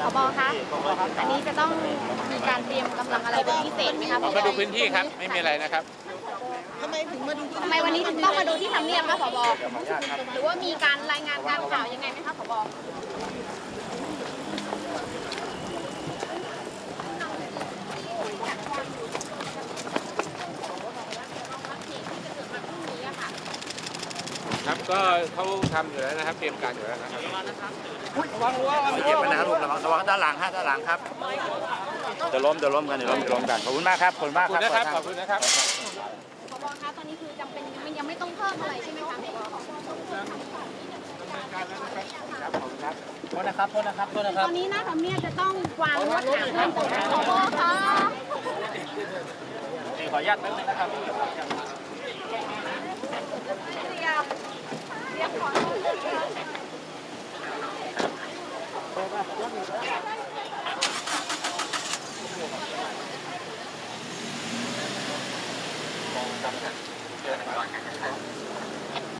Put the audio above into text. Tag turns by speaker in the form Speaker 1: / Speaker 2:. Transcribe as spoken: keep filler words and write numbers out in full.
Speaker 1: บคะอันนี้จะต้องมีการเตรียมกำลังอะไรเป็นพิเศษไหมคะผบ
Speaker 2: มาดูพื้นที่ครับไม่มีอะไรนะครับ
Speaker 3: ทำไมถึงมาดู
Speaker 1: ทำไมวันนี้ถึงต้องมาดูที่ทำเนียบคะผบหรือว่ามีการรายงานการข่าวยังไงไหมคะผบ
Speaker 2: ครับก็เขาทำอยู่แล้วนะครับเตรียมการอยู่แล้วนะครับ
Speaker 3: ระวังรั้ว
Speaker 4: เจ็บนะลูกระวังระวังด้านหลังฮะด้านหลังครับเดี๋ยวล้มเดี๋ยวล้มกันเดี๋ยวล้มเดี๋ยวล้มกันขอบคุณมากครับขอบคุณ
Speaker 2: ข
Speaker 4: มา
Speaker 2: อก บ
Speaker 4: ค
Speaker 2: คุณ
Speaker 4: รับ
Speaker 2: นะครับขอบคุณนะครับ
Speaker 1: ผบคะตอนนี้คือจำเป็นยังไม่ยังไม่ต้องเพิ่มอะไรใช่ไหมคะผบ
Speaker 3: โทษนะครับโทษนะครับโทษนะครับ
Speaker 1: ตอนนี้หน้าทำเนียบจะต้องวางลวดหนามเพิ่มเติมไหมผบคะ
Speaker 4: ขออนุญาตแป๊บนึงนะครับ
Speaker 1: เรียกขอ